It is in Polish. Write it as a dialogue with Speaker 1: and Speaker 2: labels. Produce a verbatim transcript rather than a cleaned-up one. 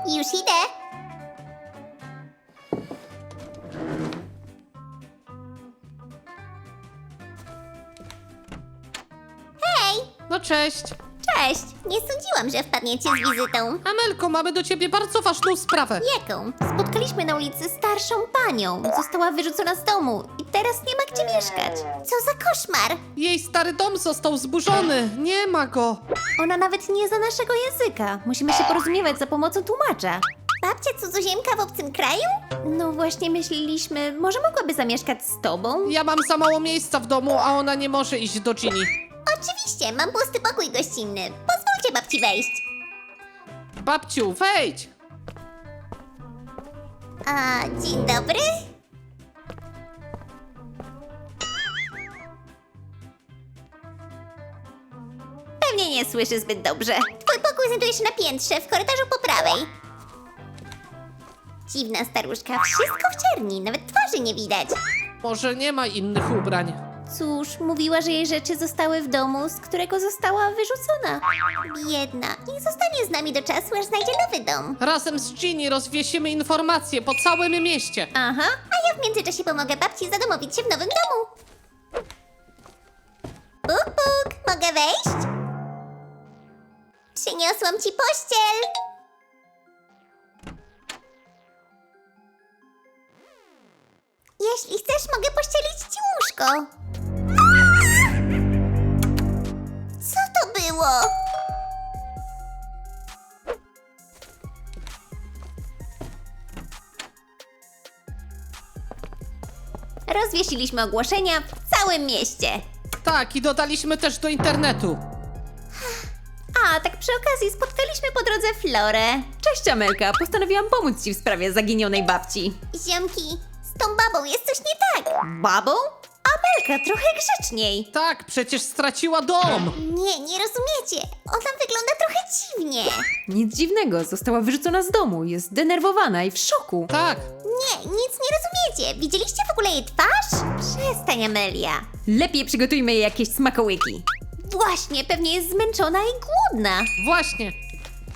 Speaker 1: Już idę. Hej!
Speaker 2: No cześć.
Speaker 1: Cześć! Nie sądziłam, że wpadniecie z wizytą.
Speaker 2: Amelko, mamy do ciebie bardzo ważną sprawę.
Speaker 1: Jaką? Spotkaliśmy na ulicy starszą panią. Została wyrzucona z domu i teraz nie ma gdzie mieszkać. Co za koszmar!
Speaker 2: Jej stary dom został zburzony. Nie ma go.
Speaker 1: Ona nawet nie zna naszego języka. Musimy się porozumiewać za pomocą tłumacza. Babcia cudzoziemka w obcym kraju? No właśnie myśleliśmy, może mogłaby zamieszkać z tobą?
Speaker 2: Ja mam za mało miejsca w domu, a ona nie może iść do Ginny.
Speaker 1: Oczywiście, mam pusty pokój gościnny. Pozwólcie babci wejść.
Speaker 2: Babciu, wejdź.
Speaker 1: A, dzień dobry. Pewnie nie słyszy zbyt dobrze. Twój pokój znajduje się na piętrze, w korytarzu po prawej. Dziwna staruszka, wszystko w czerni, nawet twarzy nie widać.
Speaker 2: Może nie ma innych ubrań.
Speaker 1: Cóż, mówiła, że jej rzeczy zostały w domu, z którego została wyrzucona. Biedna, niech zostanie z nami do czasu, aż znajdzie nowy dom.
Speaker 2: Razem z Ginny rozwiesimy informacje po całym mieście.
Speaker 1: Aha, a ja w międzyczasie pomogę babci zadomowić się w nowym domu. Puk, puk, mogę wejść? Przyniosłam ci pościel. Jeśli chcesz, mogę pościelić ci łóżko. Co to było? Rozwiesiliśmy ogłoszenia w całym mieście.
Speaker 2: Tak, i dodaliśmy też do internetu.
Speaker 1: A, tak przy okazji spotkaliśmy po drodze Florę.
Speaker 3: Cześć Amelka, postanowiłam pomóc ci w sprawie zaginionej babci.
Speaker 1: Ziomki, z tą babą jest coś nie tak.
Speaker 3: Babą? Amelka, trochę grzeczniej.
Speaker 2: Tak, przecież straciła dom.
Speaker 1: Nie, nie rozumiecie. Ona wygląda trochę dziwnie.
Speaker 3: Nic dziwnego, została wyrzucona z domu, jest zdenerwowana i w szoku.
Speaker 2: Tak,
Speaker 1: Nie, nic nie rozumiecie. Widzieliście w ogóle jej twarz? Przestań, Amelia.
Speaker 3: Lepiej przygotujmy jej jakieś smakołyki.
Speaker 1: Właśnie, pewnie jest zmęczona i głodna.
Speaker 2: właśnie.